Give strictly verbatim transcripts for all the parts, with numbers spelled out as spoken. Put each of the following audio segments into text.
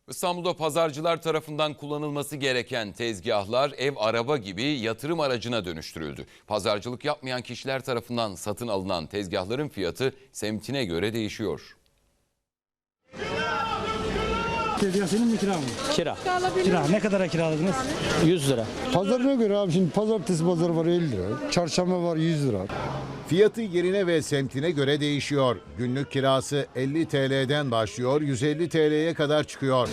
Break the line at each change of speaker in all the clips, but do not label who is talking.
İstanbul'da pazarcılar tarafından kullanılması gereken tezgahlar ev, araba gibi yatırım aracına dönüştürüldü. Pazarcılık yapmayan kişiler tarafından satın alınan tezgahların fiyatı semtine göre değişiyor.
Tezgah senin mi, kira mı?
Kira.
Kira. Ne kadara kiraladınız?
yüz lira.
Pazarına göre abi, şimdi pazartesi pazarı var elli lira. Çarşamba var yüz lira.
Fiyatı yerine ve semtine göre değişiyor. Günlük kirası elli T L'den başlıyor, yüz elli T L'ye kadar çıkıyor.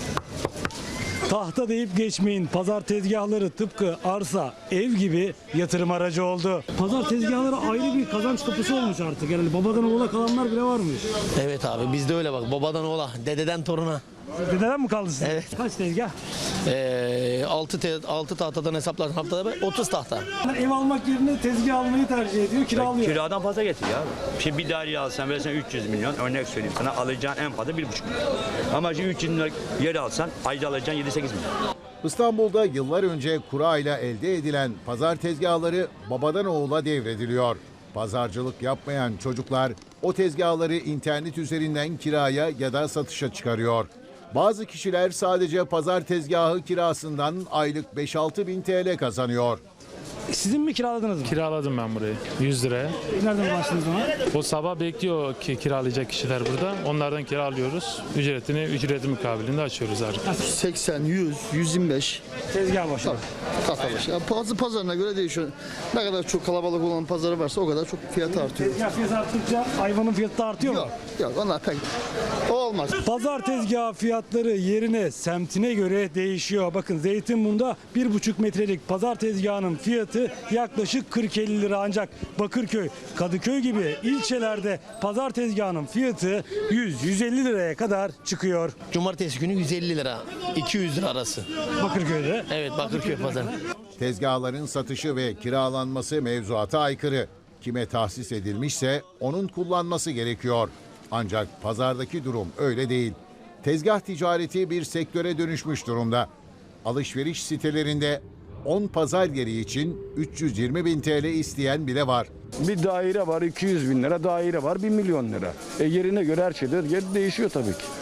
Tahta deyip geçmeyin. Pazar tezgahları tıpkı arsa, ev gibi yatırım aracı oldu. Pazar tezgahları ayrı bir kazanç kapısı olmuş artık. Yani babadan oğula kalanlar bile varmış.
Evet abi bizde öyle bak. Babadan oğla, dededen toruna.
Dededen mi kaldı size?
Evet.
Kaç tezgah?
Ee, altı, te, altı tahtadan hesaplarsan haftada otuz tahta.
Ev almak yerine tezgah almayı tercih ediyor, kiralıyor.
Kiradan fazla getiriyor abi. Şimdi bir daire alsan versen üç yüz milyon, örnek söyleyeyim sana, alacağın en fazla bir buçuk milyon. Ama şimdi üç yüz milyon yer alsan ayda alacağın yedi sekiz milyon.
İstanbul'da yıllar önce kura ile elde edilen pazar tezgahları babadan oğula devrediliyor. Pazarcılık yapmayan çocuklar o tezgahları internet üzerinden kiraya ya da satışa çıkarıyor. Bazı kişiler sadece pazar tezgahı kirasından aylık beş altı bin T L kazanıyor.
Sizin mi kiraladınız mı?
Kiraladım ben burayı yüz liraya.
Nereden başladınız ona?
O sabah bekliyor ki kiralayacak kişiler burada. Onlardan kiralıyoruz. Ücretini ücreti mukabilinde açıyoruz artık.
seksen, yüz, yüz yirmi beş
Tezgah başı.
katlamış. Yani pazar, pazarına göre değişiyor. Ne kadar çok kalabalık olan pazarı varsa o kadar çok fiyatı artıyor.
Tezgah fiyatı arttıkça hayvanın fiyatı da artıyor mu?
Yok, yok onlar pek o olmaz.
Pazar tezgahı fiyatları yerine, semtine göre değişiyor. Bakın Zeytinburnu'nda bir buçuk metrelik pazar tezgahının fiyatı yaklaşık kırk elli lira, ancak Bakırköy, Kadıköy gibi ilçelerde pazar tezgahının fiyatı yüz yüz elli liraya kadar çıkıyor.
Cumartesi günü yüz elli lira, iki yüz lira arası.
Bakırköy'de.
Evet, Bakırköy pazarı.
Tezgahların satışı ve kiralanması mevzuata aykırı. Kime tahsis edilmişse onun kullanması gerekiyor. Ancak pazardaki durum öyle değil. Tezgah ticareti bir sektöre dönüşmüş durumda. Alışveriş sitelerinde on pazar yeri için üç yüz yirmi bin T L isteyen bile var.
Bir daire var iki yüz bin lira, daire var bir milyon lira. E yerine göre her şeyde yer değişiyor tabii ki.